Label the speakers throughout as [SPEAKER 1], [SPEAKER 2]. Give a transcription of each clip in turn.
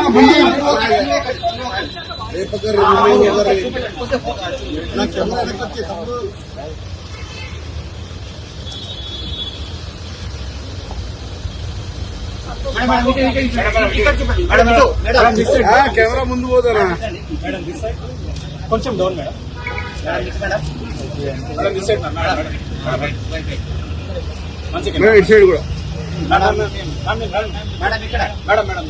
[SPEAKER 1] Camera ముందు పోతారా
[SPEAKER 2] కొంచెం డౌన్ మేడం.
[SPEAKER 1] ఇటు సైడ్ కూడా
[SPEAKER 2] మేడం ఇక్కడ మేడం మేడం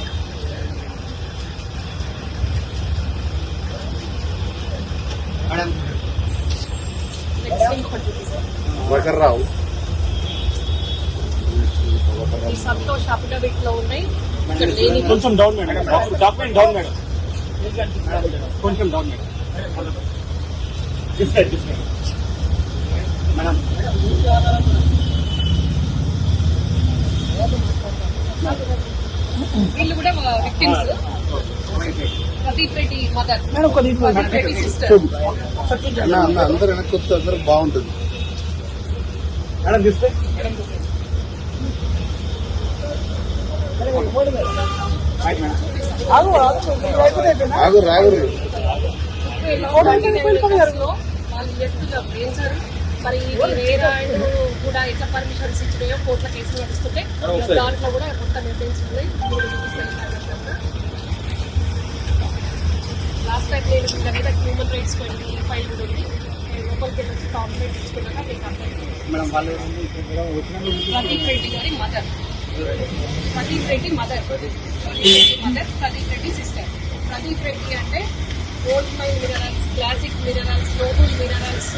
[SPEAKER 2] మేడం
[SPEAKER 1] వకర్రావు
[SPEAKER 3] సంతోష్ అఫిడవిట్ లో ఉన్నాయి.
[SPEAKER 2] కొంచెం down madam. Document down madam. కొంచెం డౌన్ మేడం. మేడం
[SPEAKER 3] వీళ్ళు కూడా victims. Pradeep Reddy mother, Pradeep Reddy sister.
[SPEAKER 1] అందరూ వెనక్కి వస్తే అందరూ బాగుంటుంది.
[SPEAKER 2] మేడం తీస్తే
[SPEAKER 1] ఆగు రాగురు
[SPEAKER 3] వాళ్ళు చేస్తున్నారు ఏం సార్ మరి వేరే కూడా ఎట్లా పర్మిషన్స్ ఇచ్చినాయో కోర్టుల కేసులు నడుస్తుంటే దాంట్లో కూడా మొత్తం ఎవిడెన్స్ ఉన్నాయి. లాస్ట్ టైం నేను వీళ్ళ మీద హ్యూమన్ రైట్స్ ఫైల్ కూడా ఉంది. లోపలికి వెళ్ళి వచ్చి కాంప్లైంట్ ఇచ్చుకున్నాక మీకు కంప్లైంట్. ప్రదీప్ రెడ్డి గారి mother, Pradeep Reddy mother, Pradeep Reddy sister. Pradeep Reddy అంటే gold mine minerals, classic minerals, noble minerals,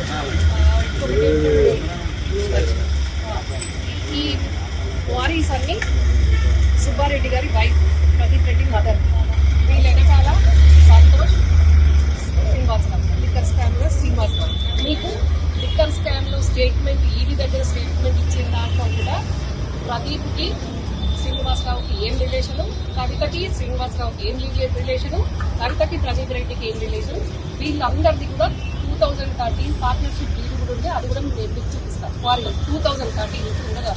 [SPEAKER 3] ఈ వారీస్ అన్ని సుబ్బారెడ్డి గారి వైఫ్, ప్రదీప్ రెడ్డి మదర్. వీళ్ళ వెనకాల సంతోష్, శ్రీనివాసరావు, లిక్కర్ స్కామ్ లో శ్రీనివాసరావు. మీకు లిక్కర్ స్కామ్ లో స్టేట్మెంట్ ఈడీ దగ్గర స్టేట్మెంట్ ఇచ్చిన దాంట్లో కూడా ప్రదీప్కి శ్రీనివాసరావుకి ఏం రిలేషను, కవితకి శ్రీనివాసరావుకి ఏం రిలేషను, కవితకి ప్రదీప్ రెడ్డికి ఏం రిలేషన్, వీళ్ళందరిది కూడా 2013 పార్ట్నర్షిప్ డీల్ కూడా ఉంది. అది కూడా నేను మీకు చూపిస్తాను. వారి 2013 నుంచి ఉండగా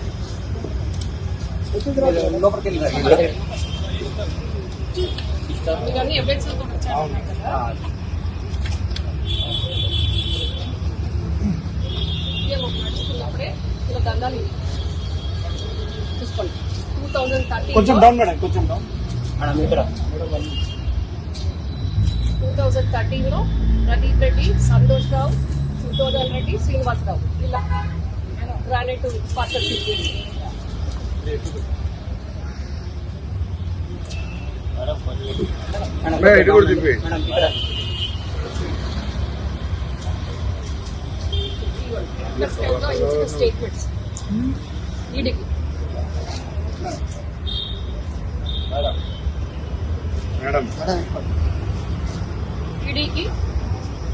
[SPEAKER 3] మీకు అన్ని ఎవిడెన్స్ కూడా వచ్చాయన్నారు కదా. నడుచుకున్నప్పుడే ఇలా దండాలు చూసుకోండి. 2013
[SPEAKER 2] కొంచెం డౌన్ మేడం. కొంచెం డౌన్ మేడం. ఇక్కడ
[SPEAKER 3] 2013లో ప్రదీప్ రెడ్డి, సంతోష్ రావు, సుధోదన్ రెడ్డి, శ్రీనివాసరావు ఇలా గ్రానైట్ పార్ట్నర్షిప్.
[SPEAKER 1] ఇటు కూడా చెప్పి
[SPEAKER 3] స్టేట్మెంట్స్ ఈడీకి
[SPEAKER 1] మేడం
[SPEAKER 3] ఈడీకి